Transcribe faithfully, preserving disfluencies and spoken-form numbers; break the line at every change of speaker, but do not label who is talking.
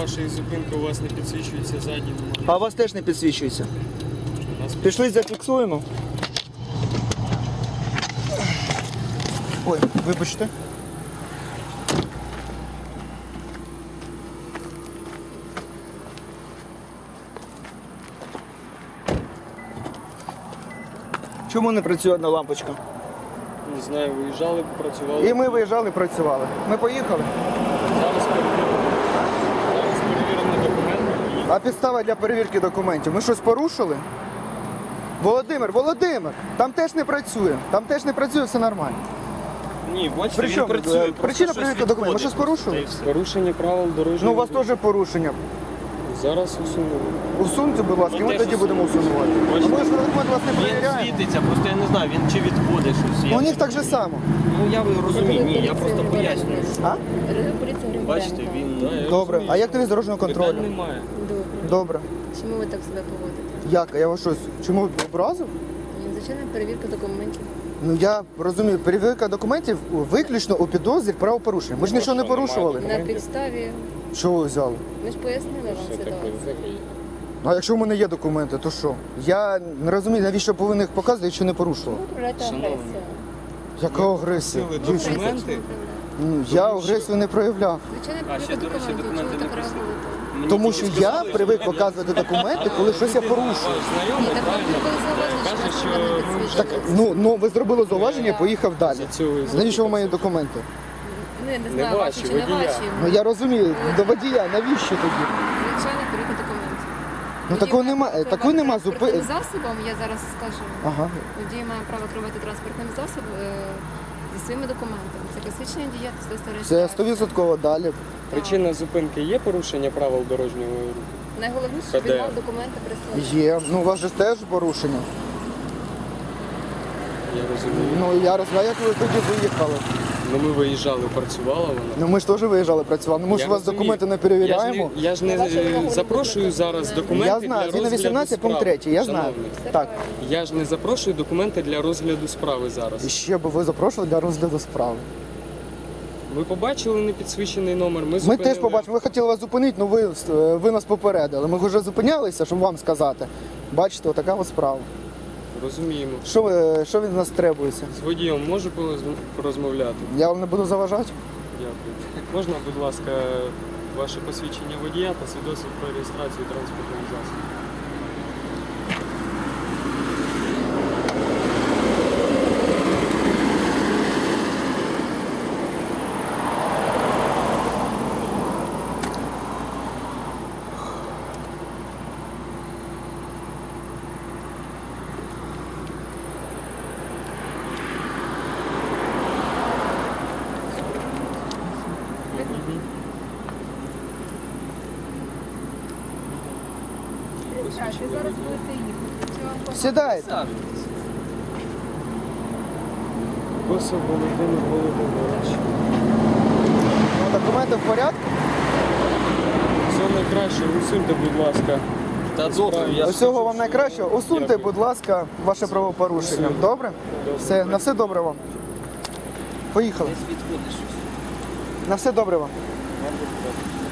вашої зупинки у вас не підсвічується задній номер.
А у вас теж не підсвічується.
Нас
Пішли, зафіксуємо. Ой, вибачте. Чому не працює одна лампочка?
не знаю, виїжджали, працювали.
І ми виїжджали, працювали. Ми поїхали.
Зараз перевіримо. Зараз перевіримо документи.
А підстава для перевірки документів. Ми щось порушили? Володимир, Володимир, там теж не працює. Там теж не працює, все нормально.
Ні, бачите,
При
він
чому?
працює.
Е,
просто
причина
щось
перевірки документів. Ми щось
відходить.
порушили?
Та й все. Порушення правил дорожнього
Ну, у вас
руху.
теж порушення.
Зараз усунули.
Усуньте, будь ласка, і
Ми
ми
теж
тоді будемо усунувати. А
Бачите?
ми ж документ вас не
Він
перевіряємо.
світиться, просто я не знаю, він чи відходить щось.
Ну,
Я...
у них так же само.
Ну я розумію, ні, я просто пояснюю.
А?
Поліція
Бачите,
Григоренко.
він...
Да, я
Добре.
розумію,
А як
що
тобі з дорожнього контролю?
Питань немає.
Добре.
Добре.
Чому ви так себе поводите?
Як? Я вас щось, чому образив?
Ні, Звичайно, перевірка документів.
Ну я розумію, перевірка документів виключно у підозрі правопорушення. Ми ж нічого не
що, немає
порушували.
На підставі,
Що ви взяли?
ми ж пояснили вам
Все таке,
ситуацію.
таке.
Ну, а якщо в мене є документи, то що? Я не розумію, навіщо повинен їх показувати, якщо не порушував.
Ви проявляєте
Шановні.
агресію.
Яка агресія?
Сили
Дівчинка.
документи.
Ну, я агресію не проявляв.
Звичайно,
А, ще,
перевірка
до речі,
документів.
документи
Чому
не
так
прийшли.
реагуєте?
Мені
Тому
тільки
що я
сказали,
привик
що-
показувати документи, коли щось я порушую.
Ні,
Знайомий,
так вам
правильно?
зробили зауваження,
Каже,
що
що
ви не
ви
Так,
підсвічуєте.
ну, ну ви зробили зауваження, поїхав далі.
За цього і
Навіщо ви мої документи?
Ну, я не
Не
знаю,
ваші,
ваші чи не
водія.
ваші.
Ну я розумію, до водія, навіщо тоді?
Звичайно, перевірка документів.
Ну такого немає, такого нема зупи.
Транспортним засобом, я зараз скажу.
Ага.
Водій має право керувати транспортним засобом е, зі своїми документами. Це класична діяльність, це
Це
реєстрація.
сто відсотків далі.
Причина зупинки є порушення правил дорожнього руху?
Найголовніше, щоб
ПДР.
він мав документи при собі.
Є. Ну у вас же теж порушення.
Я розумію.
Ну я розумію, як ви тоді виїхали.
Ну ми виїжджали, працювала вона.
Ну ми ж теж виїжджали працювали. Ну ми ж
Я
у вас
розумію.
документи не перевіряємо.
Я ж не, я ж не е, запрошую зараз документи
Я знаю,
для
згідно
розгляду
вісімнадцять пункт
справи.
три, я знаю.
Шановний,
Так.
я ж не запрошую документи для розгляду справи
І
зараз.
ще би ви запрошували для розгляду справи.
Ви побачили непідсвічений номер, ми
Ми
зупинили.
теж побачимо, ми хотіли вас зупинити, але ви, е, ви нас попередили. Ми вже зупинялися, щоб вам сказати. Бачите, отака ось справа.
Розуміємо.
Що, ви, що від нас требується?
З водієм можу порозм- порозмовляти?
Я вам не буду заважати?
Дякую. Можна, будь ласка, ваше посвідчення водія та свідоцтво про реєстрацію транспортного засобу?
Зараз будете їхати. Чи вам
Сідайте.
Косов Володимир Володимирович.
Ну, документи в порядку?
Все найкраще, усуньте, будь ласка.
Та добре, я ж
Усього вам найкращого. Усуньте,
Дякую.
будь ласка, ваше правопорушення.
Усунь.
Добре?
Добре.
Все, на все добре вам. Поїхали.
десь відходиш щось.
На все добре вам.
Вам, будь ласка.